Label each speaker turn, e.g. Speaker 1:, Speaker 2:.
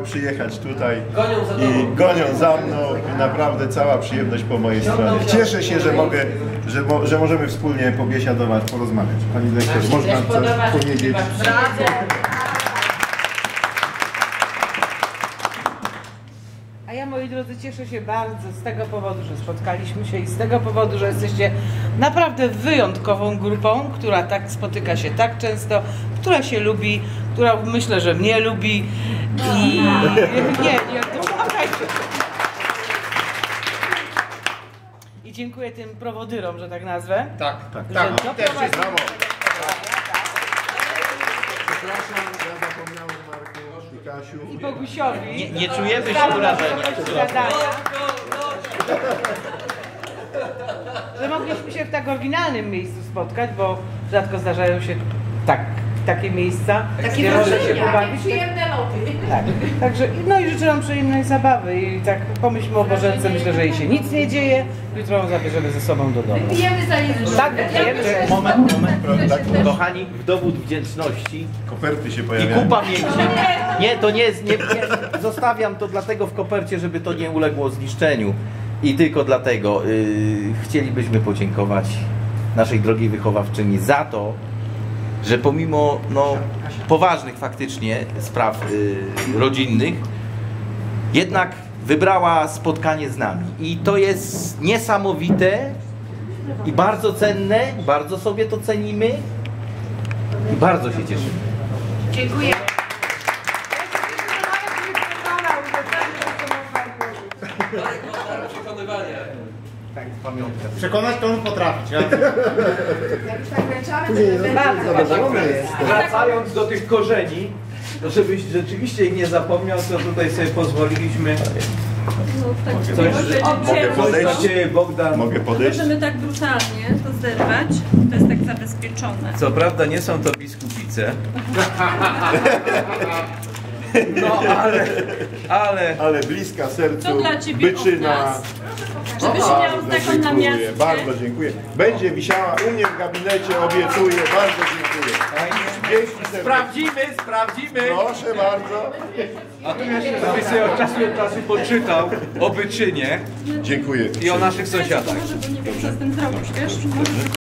Speaker 1: przyjechać tutaj i gonią za mną i naprawdę cała przyjemność po mojej stronie. Cieszę się, że możemy wspólnie pobiesiadować, porozmawiać. Pani dyrektor, można coś powiedzieć?
Speaker 2: A ja, moi drodzy, cieszę się bardzo z tego powodu, że spotkaliśmy się i z tego powodu, że jesteście naprawdę wyjątkową grupą, która tak spotyka się tak często, która się lubi, która myślę, że mnie lubi i nie, słuchajcie. I dziękuję tym prowodyrom, że tak nazwę.
Speaker 3: Tak.
Speaker 1: Też jest brawo. Przepraszam, ja zapomniałem Marku i Kasiu.
Speaker 2: I Bogusiowi.
Speaker 4: Nie czujemy się urażeni.
Speaker 2: Że mogliśmy się w tak oryginalnym miejscu spotkać, bo rzadko zdarzają się takie miejsca, gdzie można się pobawić.
Speaker 5: Przyjemne loty.
Speaker 2: Tak. Także, no i życzę wam przyjemnej zabawy i tak pomyślmy o Bożence, myślę, że jej się nic nie dzieje, jutro ją zabierzemy ze sobą do domu.
Speaker 5: Pijemy za Jezusa.
Speaker 2: Tak, pijemy.
Speaker 4: Moment. Kochani, w dowód wdzięczności
Speaker 1: Koperty się
Speaker 4: i
Speaker 1: pojawiają.
Speaker 4: kupa miękkie. Nie, to nie jest, nie, zostawiam to dlatego w kopercie, żeby to nie uległo zniszczeniu. I tylko dlatego chcielibyśmy podziękować naszej drogiej wychowawczyni za to, że pomimo poważnych faktycznie spraw rodzinnych, jednak wybrała spotkanie z nami. I to jest niesamowite i bardzo cenne, bardzo sobie to cenimy i bardzo się cieszymy.
Speaker 5: Dziękuję.
Speaker 4: Tak, pamiątka.
Speaker 3: Przekonać to on potrafić.
Speaker 5: Jak już tak wręczamy, to
Speaker 6: Wracając do tych korzeni, to żebyś rzeczywiście ich nie zapomniał, to tutaj sobie pozwoliliśmy coś Bogdan.
Speaker 1: Mogę podejść?
Speaker 7: Możemy tak brutalnie to zerwać, to jest tak zabezpieczone.
Speaker 6: Co prawda nie są to biskupice. No ale
Speaker 1: bliska sercu,
Speaker 7: To dla ciebie
Speaker 1: byczyna.
Speaker 7: od nas. Żebyś miał taką namiastkę.
Speaker 1: Bardzo dziękuję. Będzie wisiała u mnie w gabinecie, obiecuję. Bardzo dziękuję. Dzięki serdecznie.
Speaker 6: Sprawdzimy.
Speaker 1: Proszę bardzo.
Speaker 6: A tu jeszcze żebyś sobie od czasu poczytał o Byczynie
Speaker 1: Dziękuję.
Speaker 6: i o naszych sąsiadach.
Speaker 7: Może, bo nie wiem, co z tym zrobić, wiesz?